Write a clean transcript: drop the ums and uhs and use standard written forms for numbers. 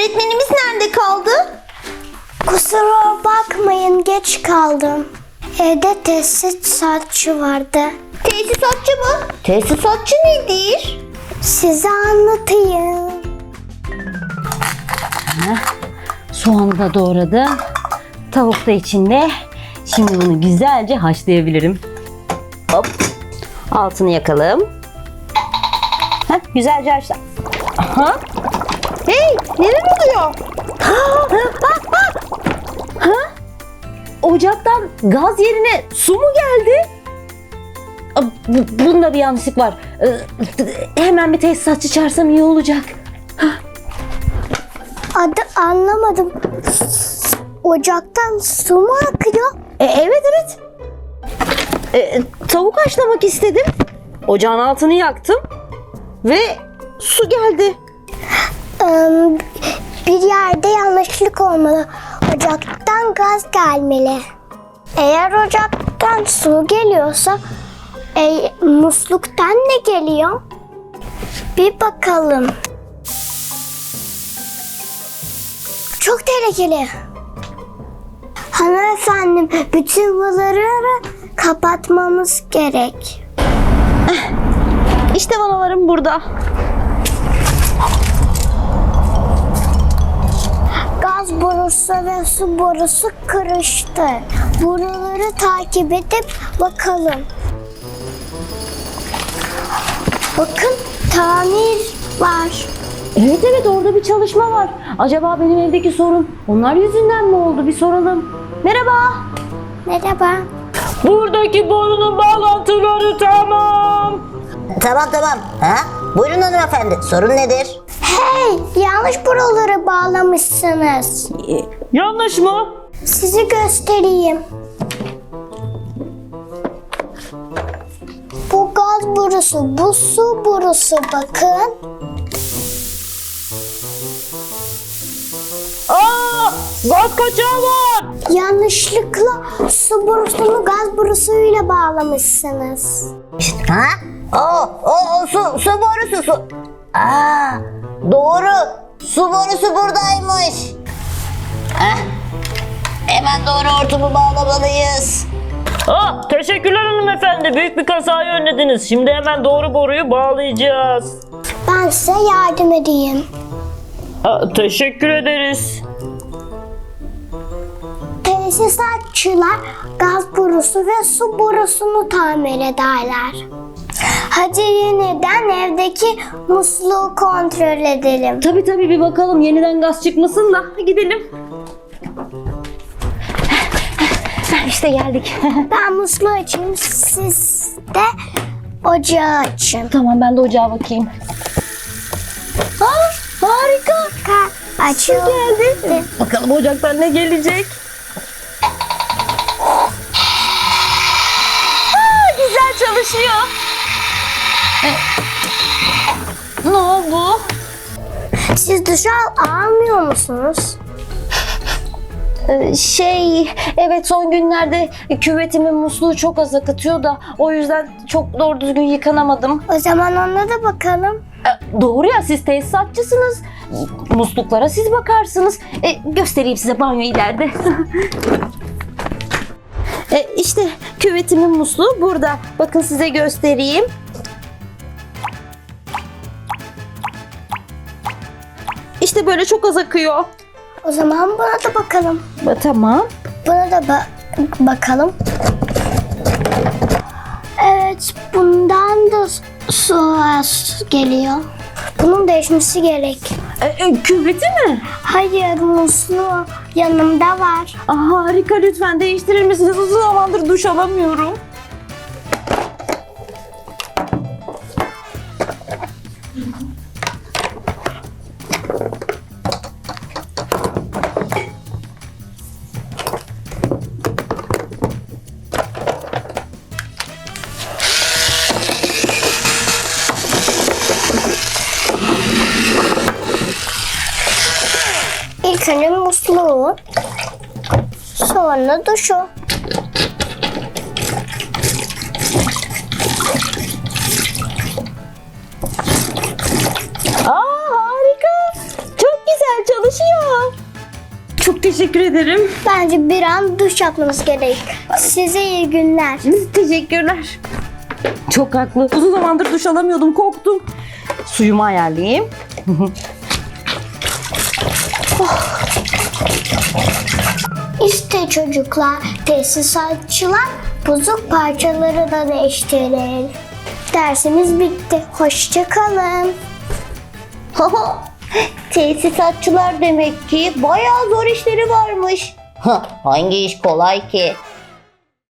Öğretmenimiz nerede kaldı? Kusura bakmayın, geç kaldım. Evde tesisatçı vardı. Tesisatçı mı? Tesisatçı nedir? Size anlatayım. Soğanı da doğradım. Tavuk da içinde. Şimdi bunu güzelce haşlayabilirim. Hop. Altını yakalım. Heh, güzelce haşla. Aha. Hey, neler oluyor? Bak bak. Ha? Ocaktan gaz yerine su mu geldi? Bunda bir yanlışlık var. Hemen bir tesisatçı çağırsam iyi olacak. Adı anlamadım. Ocaktan su mu akıyor? Evet. Tavuk haşlamak istedim. Ocağın altını yaktım. Ve su geldi. Bir yerde yanlışlık olmalı. Ocaktan gaz gelmeli. Eğer ocaktan su geliyorsa musluktan ne geliyor? Bir bakalım. Çok tehlikeli. Hanımefendi, bütün bunları kapatmamız gerek. İşte vanalarım burada. Gaz borusu ve su borusu karıştı. Buraları takip edip bakalım. Bakın, tamir var. Evet orada bir çalışma var. Acaba benim evdeki sorun onlar yüzünden mi oldu? Bir soralım. Merhaba. Merhaba. Buradaki borunun bağlantıları tamam. Tamam. Ha? Buyurun hanımefendi. Sorun nedir? Hey, yanlış buraları bağlamışsınız. Yanlış mı? Sizi göstereyim. Bu gaz borusu, bu su borusu, bakın. Gaz kaçağı var. Yanlışlıkla su borusunu gaz borusuyla bağlamışsınız. Ha? Su borusu su. Aa, doğru. Su borusu buradaymış. Heh. Hemen doğru hortumu bağlamalıyız. Teşekkürler hanımefendi. Büyük bir kazayı önlediniz. Şimdi hemen doğru boruyu bağlayacağız. Ben size yardım edeyim. Teşekkür ederiz. Tesisatçılar gaz borusu ve su borusunu tamir ederler. Hadi yeniden evdeki musluğu kontrol edelim. Tabii bir bakalım yeniden gaz çıkmasın da gidelim. İşte geldik. Ben musluğu açayım, siz de ocağı açın. Tamam ben de ocağa bakayım. Harika. Açıyor. Geldi. Bakalım ocaktan ne gelecek? Güzel çalışıyor. Ne oldu? Siz duş almıyor musunuz? Evet son günlerde küvetimin musluğu çok az akıtıyor da o yüzden çok doğru düzgün yıkanamadım. O zaman ona da bakalım. Doğru ya siz tesisatçısınız. Musluklara siz bakarsınız. Göstereyim size banyo ileride. İşte küvetimin musluğu burada. Bakın size göstereyim. İşte böyle çok az akıyor. O zaman buna da bakalım. Tamam. Buna da bakalım. Evet, bundan da su az geliyor. Bunun değişmesi gerek. Küveti mi? Hayır, musluğu yanımda var. Harika lütfen değiştirir misiniz? Uzun zamandır duş alamıyorum. İlk önce musluğu, sonra duşu. Harika. Çok güzel çalışıyor. Çok teşekkür ederim. Bence bir an duş yapmanız gerek. Size iyi günler. Teşekkürler. Çok haklı. Uzun zamandır duş alamıyordum, korktum. Suyumu ayarlayayım. İşte çocuklar, tesisatçılar bozuk parçaları da değiştirir. Dersimiz bitti. Hoşça kalın. Tesisatçılar demek ki bayağı zor işleri varmış. Hangi iş kolay ki?